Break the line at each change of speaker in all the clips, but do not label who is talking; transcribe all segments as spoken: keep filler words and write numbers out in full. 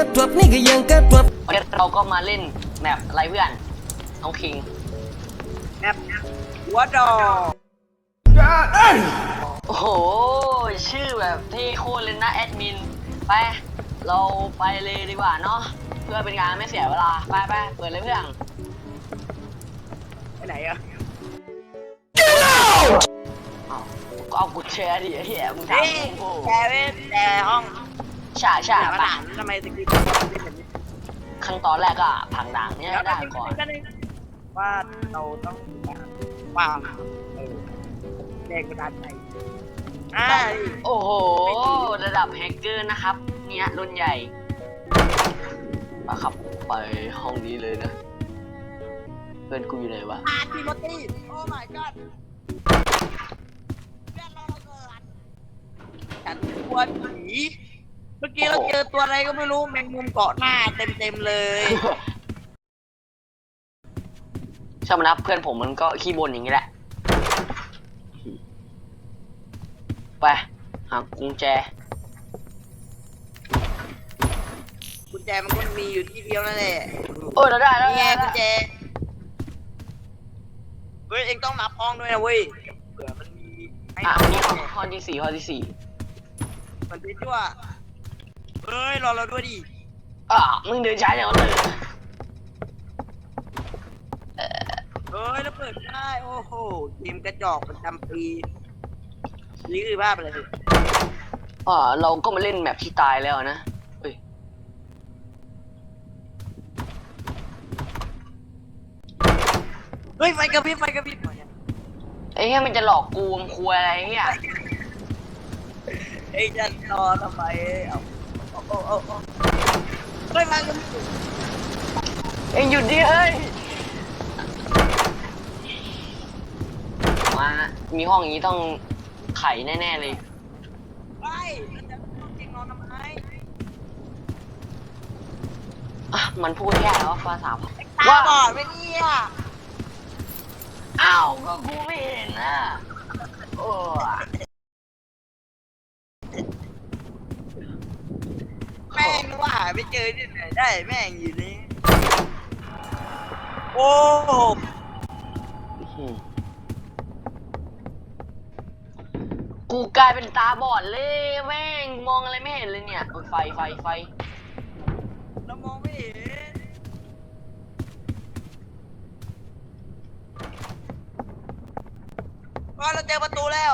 ทวบนี่ก็ยังกระทวบ
วันนี้เราก็มาเล่นแมปอะไรเพื่อนน้องคิง
แมปหัวดอก
โอ้โหชื่อแบบเท่โคตรเลยนะแอดมินไปเราไปเลยดีกว่าเนาะเพื่อเป็นการไม่เสียเวลาไปไปเปิดเลยเพื่อน
ไปไหนอะ
ก็เอากุญแจดิเฮียมึงทำโอ้
แชร์เว้ยแชร์ห้อง
ใช่ใช่
ไปทำไมสกิลเป็นแบบนี้
ขั้นตอนแรกก็ผังด่างเนี่ยได้ก่อน
ว่าเราต้องวางเออแรงกระดานใจอ่า
โอ้โหระดับแฮกเกอร์นะครับเนี่ยรุ่นใหญ่มาครับไปห้องนี้เลยนะเพื่อนกูอยู่ไหนวะ
อาร์ติโมตี้โอ้ my god เพื่อนเราเกิดฉันกลัวผีเมื่อกี้เราเจอตัวอะไรก็ไม่รู้แมงมุมเกาะหน้าเต็มเต็มเลย
ชอบนะเพื่อนผมมันก็ขี้บ่นอย่างนี้แหละไปหากุญแจ
กุญแจมันก็มีอยู่ที่เดียวนั่นแหละ
เออเราได้แล้ว
นี่ไงกุญแจเฮ้ยเองต้องนับห้องด้วยนะเว้ยเผื่อมันมี
อ่ะนี่ห้องที่สี่ห้องที่สี่
มันเป็นชั่วเฮ้ยรอเราด้วยดิ
อ่ะมึงเดินช้าอย่างนั้นเลย
เฮ้ยแล้วเปิดได้โอ้โหเกมกระจอกประจำปีนี่คือภาพอะไร
อ่าเราก็มาเล่นแมปที่ตายแล้วนะเฮ้ย
เฮ้ยไฟกระพริบไฟกระพริบ
ไอ้เหี้ยมันจะหลอกกูมันคุยอะไรเหี้ย
ไอ้จะรอทำไมเอาโอ้โอ้โอ้เฮ้ยไฟกระพริบ
เอ็งหยุดดิเฮ้ยมามีห้องอย่างนี้ต้องไขแน่ๆเลย
ไปแล้วจะต้องจริงนอนทำไม
อ่ะมันพูดแค่แล้วภาษา
ตาบอดไปเนี่ย
อ้าวก็กูไม่เห็นนะโอ้
แม่งว่าหาไม่เจอที่ไหนได้แม่งอยู่นี่โอ้
กูกลายเป็นตาบอดเลยแม่งมองอะไรไม่เห็นเลยเนี่ยไฟไฟไฟ
เรามองไม่เห็นว่าเราเจอประตูแล้ว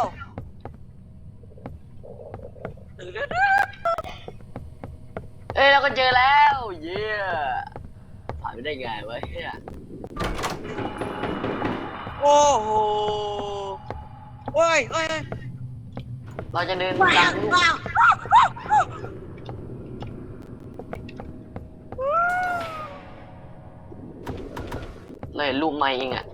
เอ้ยเราก็เจอแล้วเย้ผ่านไปได้ไงวะเฮีย
โอ้โหเฮ้ยเฮ้ย
เราจะเดินตามลูกเลยลูกไม้เองอ่ะ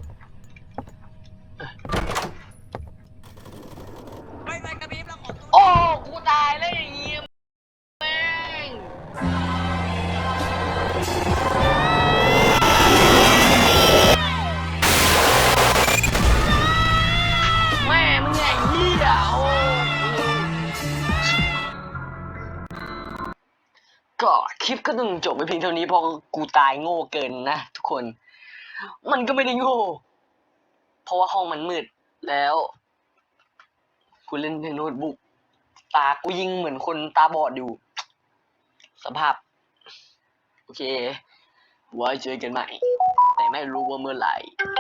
ไม่ไม่กระพริบแล้วขอตัว
โอ้กูตายเลยอย่างงี้แม่งแม่มึงไงเหี้ยโอ้ก็คลิปก็ต้องจบไปเพียงเท่านี้เพราะกูตายโง่เกินนะทุกคนมันก็ไม่ได้โง่เพราะว่าห้องมันมืดแล้วกูเล่นในโน้ตบุ๊กตากูยิงเหมือนคนตาบอดอยู่สภาพโอเคไว้เจอกันใหม่แต่ไม่รู้ว่าเมื่อไหร่